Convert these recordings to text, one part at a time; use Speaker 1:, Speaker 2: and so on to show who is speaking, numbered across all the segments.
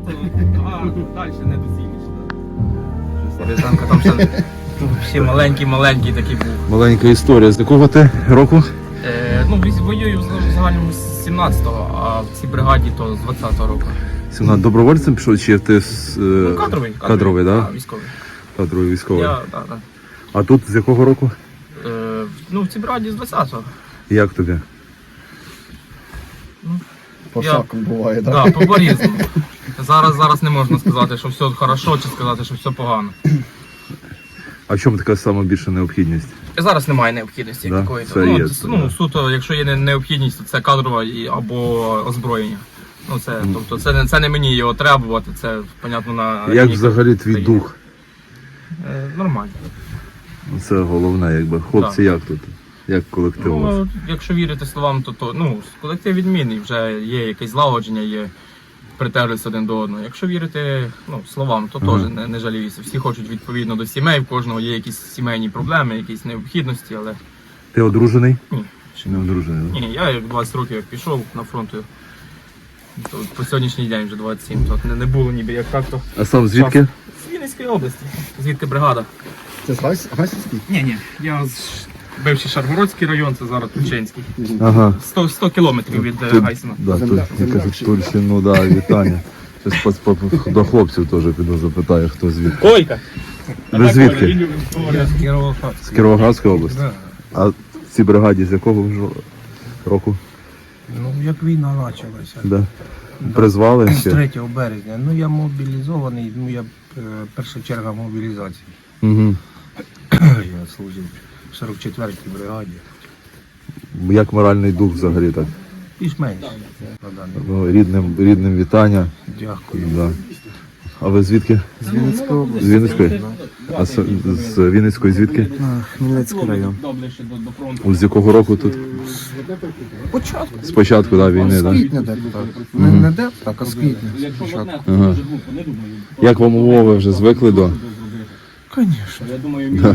Speaker 1: А далі недоцільніше. Рязанка там ще маленький такий був.
Speaker 2: Маленька історія. З якого ти року?
Speaker 1: Воюю в загальному з 17-го, а в цій бригаді то з 20-го року.
Speaker 2: Добровольцем пішов, чи ти
Speaker 1: Кадровий,
Speaker 2: да?
Speaker 1: Військовий.
Speaker 2: Кадровий військовий.
Speaker 1: Так.
Speaker 2: А тут з якого року?
Speaker 1: В цій бригаді з 20-го.
Speaker 2: Як тобі?
Speaker 3: По шаку буває, так?
Speaker 1: Так, по-різному. Зараз не можна сказати, що все хорошо, чи сказати, що все погано.
Speaker 2: А в чому така сама більша необхідність?
Speaker 1: Зараз немає необхідності
Speaker 2: Да,
Speaker 1: такої.
Speaker 2: це є, да.
Speaker 1: Суто, якщо є необхідність, то це кадрова або озброєння. Тобто це не мені його требувати, це, понятно, на...
Speaker 2: Як взагалі твій дух?
Speaker 1: Нормально.
Speaker 2: Це головне, якби. Хлопці, як тут? Як колектив у вас?
Speaker 1: Якщо вірити словам, то колектив відмінний, вже є якесь злагодження, є притерлися один до одного. Якщо вірити словам, то теж не жаліюся. Всі хочуть відповідно до сімей, в кожного є якісь сімейні проблеми, якісь необхідності, але...
Speaker 2: Ти одружений?
Speaker 1: Ні.
Speaker 2: Чи не одружений? Да?
Speaker 1: Ні, я як 20 років як пішов на фронт, то по сьогоднішній день вже 27, то не було ніби як так-то.
Speaker 2: А сам звідки?
Speaker 1: З Вінницької області, звідки бригада.
Speaker 3: Це з Гайсинський?
Speaker 1: Ні, я з бивший Шаргородський район, це зараз Тульчинський.
Speaker 2: Ага.
Speaker 1: 100 кілометрів від Гайсина.
Speaker 2: Да, я кажу, Тульщину, да, вітання. Щось до хлопців теж піду запитаю, хто звідки.
Speaker 1: Койка!
Speaker 2: Ви звідки?
Speaker 1: З Кіровограда.
Speaker 2: З Кіровоградської області? А в цій бригаді з якого року?
Speaker 4: Як війна почалася.
Speaker 2: Да. Призвали
Speaker 4: З
Speaker 2: ще?
Speaker 4: 3 березня. Я мобілізований, я перша черга мобілізації.
Speaker 2: Угу.
Speaker 4: Я служив в 44-й бригаді.
Speaker 2: Як моральний дух взагалі так?
Speaker 4: Більш-менш на даний.
Speaker 2: Рідним вітання.
Speaker 4: Дякую.
Speaker 2: Да. А ви звідки?
Speaker 4: З Вінницької області.
Speaker 2: З Вінницької? А з Вінницької звідки?
Speaker 4: Хмельницький район.
Speaker 2: З якого року тут?
Speaker 4: Початку.
Speaker 2: З початку війни,
Speaker 4: З
Speaker 2: так?
Speaker 4: квітня так. Не де, так, а з квітня. Спочатку.
Speaker 2: Ага. Як вам умови вже звикли до?
Speaker 4: Звісно.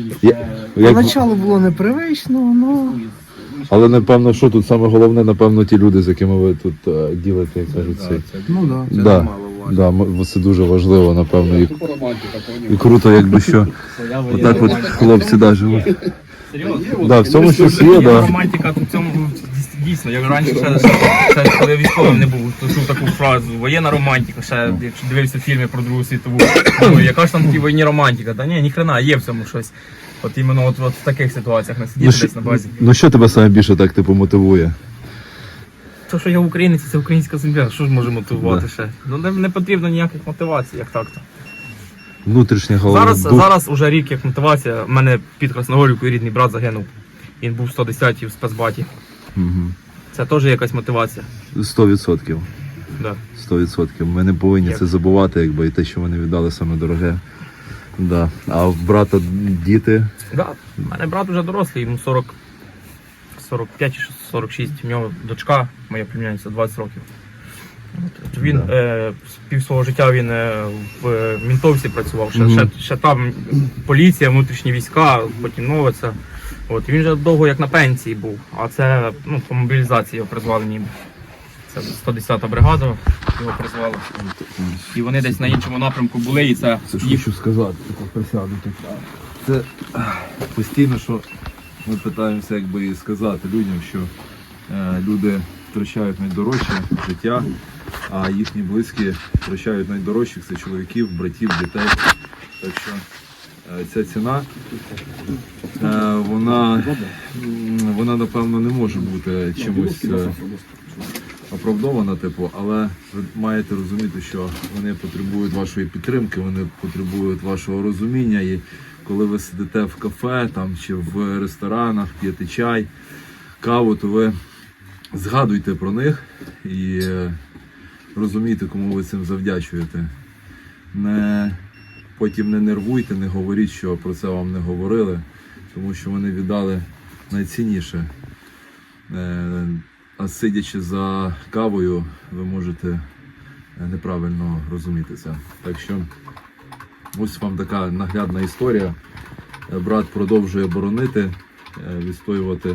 Speaker 2: Як...
Speaker 4: було непривично,
Speaker 2: Але напевно, що тут саме головне, напевно, ті люди, з якими ви тут ділите, як кажуть, цей.
Speaker 4: це
Speaker 2: Да.
Speaker 4: немало важко.
Speaker 2: Це дуже важливо, напевно. І круто, якби що. Отак от хлопці живуть.
Speaker 1: Серйозно?
Speaker 2: Да, в цьому щось є, да.
Speaker 1: Романтика в цьому дійсно. Я раніше ще коли військовим не був, то чув таку фразу воєнна романтика, ще якщо дивився фільми про Другу світову. Яка ж там в тій війні романтика? Та ні хрена, є в цьому щось. От іменно в таких ситуаціях не сидіти десь на базі.
Speaker 2: Ну що тебе саме більше так мотивує?
Speaker 1: То, що я українець, це українська земля, що ж може мотивувати ще? Не потрібно ніяких мотивацій, як так-то.
Speaker 2: Внутрішня голова.
Speaker 1: Зараз уже рік як мотивація. У мене під Красногорівкою рідний брат загинув. Він був 110-й в спецбаті.
Speaker 2: Угу.
Speaker 1: Це теж якась мотивація.
Speaker 2: 100%.
Speaker 1: Да.
Speaker 2: 100%. Ми не повинні це забувати, якби і те, що вони віддали саме дороге. Да. А в брата діти?
Speaker 1: Да. У мене брат вже дорослий, йому 45 чи 46. У нього дочка, моя племянниця, 20 років. Він пів свого життя він в Мінтовці працював, ще там поліція, внутрішні війська, потім Новиця. І він вже довго як на пенсії був, а це по мобілізації його призвали ніби. Це 110-та бригада його призвали. І вони десь на іншому напрямку були, і це
Speaker 2: ж хочу сказати, присяду тут. Це постійно, що ми питаємося і сказати людям, що люди втрачають найдорожче життя, а їхні близькі втрачають найдорожчих, це чоловіків, братів, дітей. Так що ця ціна, вона напевно не може бути чимось оправдована, але ви маєте розуміти, що вони потребують вашої підтримки, вони потребують вашого розуміння. І коли ви сидите в кафе чи в ресторанах, п'єте чай, каву, то ви згадуйте про них і розумійте, кому ви цим завдячуєте. Потім не нервуйте, не говоріть, що про це вам не говорили, тому що вони віддали найцінніше. А сидячи за кавою, ви можете неправильно розуміти це. Так що ось вам така наглядна історія. Брат продовжує боронити, відстоювати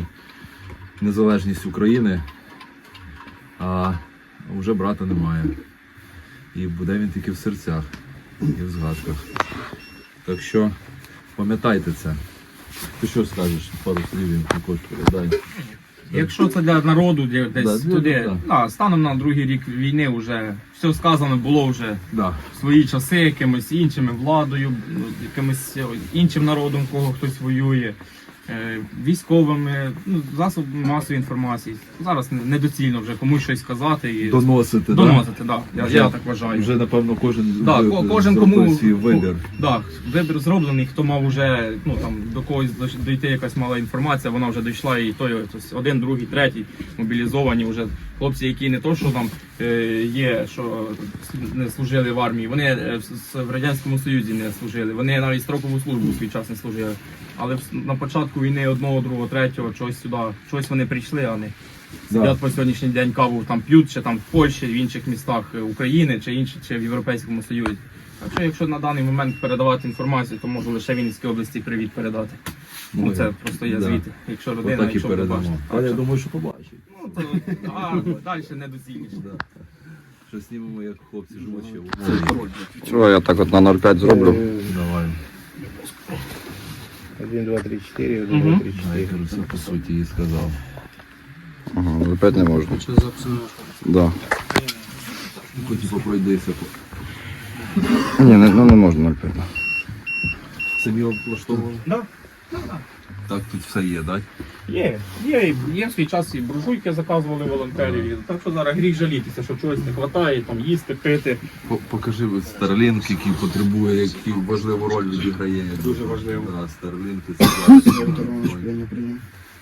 Speaker 2: незалежність України, а вже брата немає. І буде він тільки в серцях і в згадках. Так що пам'ятайте це. Ти що скажеш? Пару слів їм також передай.
Speaker 1: Якщо це для народу, десь
Speaker 2: Да,
Speaker 1: туди,
Speaker 2: да.
Speaker 1: станом на другий рік війни вже все сказано було вже
Speaker 2: Да.
Speaker 1: в свої часи якимось іншими владою, якимось іншим народом, кого хтось воює, військовими, засобами масової інформації. Зараз недоцільно вже комусь щось сказати і
Speaker 2: Доносити,
Speaker 1: доносити, да? Я
Speaker 2: Вже-
Speaker 1: так вважаю.
Speaker 2: Вже напевно кожен
Speaker 1: Кожен
Speaker 2: зробив
Speaker 1: кому
Speaker 2: свій вибір.
Speaker 1: вибір зроблений, хто мав вже до когось дійти якась мала інформація, вона вже дійшла, і той ось один, другий, третій мобілізовані вже хлопці, які не то, що там є, що не служили в армії, вони в Радянському Союзі не служили, вони навіть строкову службу в свій час не служили. Але на початку війни одного, другого, третього, чогось сюди, щось вони прийшли, а не сидять по сьогоднішній день каву там п'ють, чи там в Польщі, в інших містах України, чи в Європейському Союзі. Так що, якщо на даний момент передавати інформацію, то можу лише Вінницькій області привіт передати. Ну, це просто є
Speaker 2: да.
Speaker 1: звідти. Якщо родина,
Speaker 2: Отак і
Speaker 1: якщо
Speaker 2: передамо.
Speaker 1: побачить.
Speaker 2: А я думаю, що побачить.
Speaker 1: Ну, то, далі недоцільніше.
Speaker 2: Да. Що знімемо, як хлопці живуть ще в
Speaker 1: Це
Speaker 2: умові.
Speaker 1: пароль.
Speaker 5: Чого я так от на 0,5 зроблю?
Speaker 2: Давай.
Speaker 4: 1, 2, 3, 4, 1,
Speaker 1: Мгм.
Speaker 4: 2, 3,
Speaker 2: Я
Speaker 4: 4.
Speaker 2: все по суті і сказав.
Speaker 5: Ага, 0,5 не можна. Да.
Speaker 2: Хоч пройдися.
Speaker 5: Ні, не можна 0,5.
Speaker 2: Самі облаштовували?
Speaker 1: Да.
Speaker 2: Так, тут все є, так?
Speaker 1: Є в свій час і буржуйки заказували волонтерів. Так що зараз гріх жалітися, що чогось не вистачає, там їсти, пити.
Speaker 2: Покажи Starlink, який потребує, який важливу роль відіграє.
Speaker 1: Дуже важливо.
Speaker 2: Да, Starlink це зараз.
Speaker 3: Прийняв.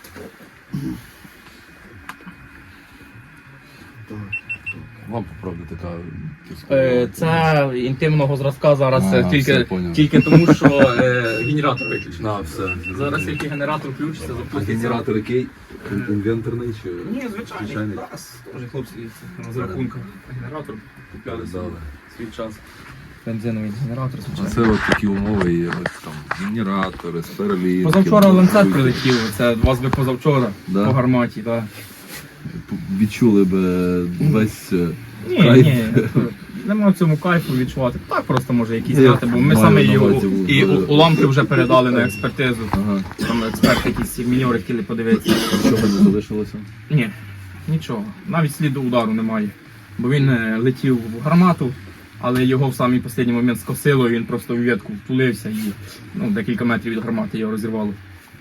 Speaker 2: Вам, правда, така...
Speaker 1: Це інтимного зразка зараз
Speaker 2: А, все, поняв.
Speaker 1: тільки тому, що генератор виключений.
Speaker 2: На, все.
Speaker 1: Зараз тільки генератор включиться,
Speaker 2: А
Speaker 1: запуститься.
Speaker 2: генератор який? Інвенторний чи?
Speaker 1: Ні, звичайний.
Speaker 2: Звичайний.
Speaker 1: Теж хлопці з рахунка. Генератор купляли
Speaker 2: Передали.
Speaker 1: свій час. Бензиновий генератор,
Speaker 2: А
Speaker 1: звичайно.
Speaker 2: це от такі умови є, ось там генератори, Starlink.
Speaker 1: Позавчора ланцет прилетів, це вас би позавчора
Speaker 2: Да?
Speaker 1: по гарматі, так.
Speaker 2: Відчули би весь
Speaker 1: Ні,
Speaker 2: кайф.
Speaker 1: нема в цьому кайфу відчувати. Так просто може якісь
Speaker 2: Я
Speaker 1: знати, бо ми
Speaker 2: маю
Speaker 1: саме
Speaker 2: на
Speaker 1: його
Speaker 2: увазі,
Speaker 1: і
Speaker 2: да.
Speaker 1: уламки вже передали на експертизу.
Speaker 2: Ага.
Speaker 1: Там експерти якісь міньори хотіли подивитися.
Speaker 2: Що не залишилося?
Speaker 1: Ні, нічого. Навіть сліду удару немає. Бо він летів в гармату, але його в самий останній момент скосило, і він просто в ветку втулився і декілька метрів від гармати його розірвало.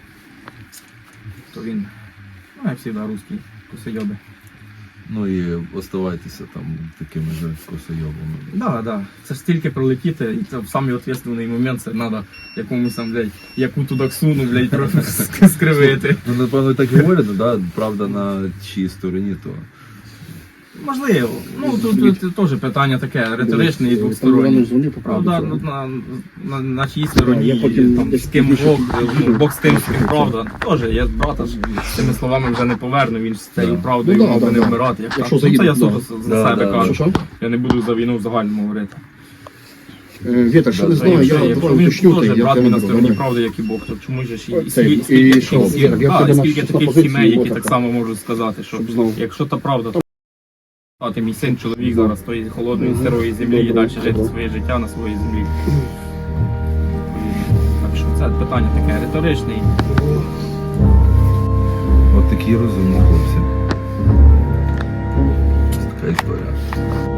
Speaker 1: То він, як завжди, русський косойоби.
Speaker 2: Ну і оставайтеся там такими же косойобами.
Speaker 1: Да. Це ж стільки пролетіти, і це в самий відповідальний момент це треба якомусь там, блядь, яку туди ксуну, блядь, трохи скривити.
Speaker 2: Ну, напевно, так і говорять, да? Правда на чиїй стороні, то
Speaker 1: Можливо. Ну тут теж питання таке риторичне і двостороннє. Правда, на чиїй стороні,
Speaker 3: Я потім
Speaker 1: там,
Speaker 3: десь
Speaker 1: з ким
Speaker 3: пізніше
Speaker 1: Бог, Бог з тим, з ким правда. Теж я брата ж з цими словами вже не поверну, він ж з цією правдою
Speaker 3: Ну, да,
Speaker 1: мав би
Speaker 3: да,
Speaker 1: не
Speaker 3: да.
Speaker 1: вмирати. Як
Speaker 3: Якщо
Speaker 1: так. Ну, це я
Speaker 3: заїде,
Speaker 1: суто
Speaker 2: да.
Speaker 1: за себе
Speaker 2: Да,
Speaker 1: кажу.
Speaker 3: Що?
Speaker 1: Я не буду за війну в загальному говорити.
Speaker 3: Вітер, що не знаю,
Speaker 1: Якщо
Speaker 3: я
Speaker 1: він
Speaker 3: уточню,
Speaker 1: теж брат мій на стороні
Speaker 3: добре.
Speaker 1: правди, як і Бог, то чому ж і
Speaker 3: Цей, і
Speaker 1: скільки
Speaker 3: що,
Speaker 1: таких
Speaker 3: як ти думаєш,
Speaker 1: скільки
Speaker 3: що
Speaker 1: таких
Speaker 3: позиції
Speaker 1: сімей, які
Speaker 3: його
Speaker 1: так
Speaker 3: така?
Speaker 1: само можуть сказати, що
Speaker 3: Щоб знову.
Speaker 1: якщо та правда, то мій син чоловік зараз з тої холодної сирої землі і далі жити своє життя на своїй землі. Так що це питання таке риторичне.
Speaker 2: от такі розумні хлопці. Ось така історія.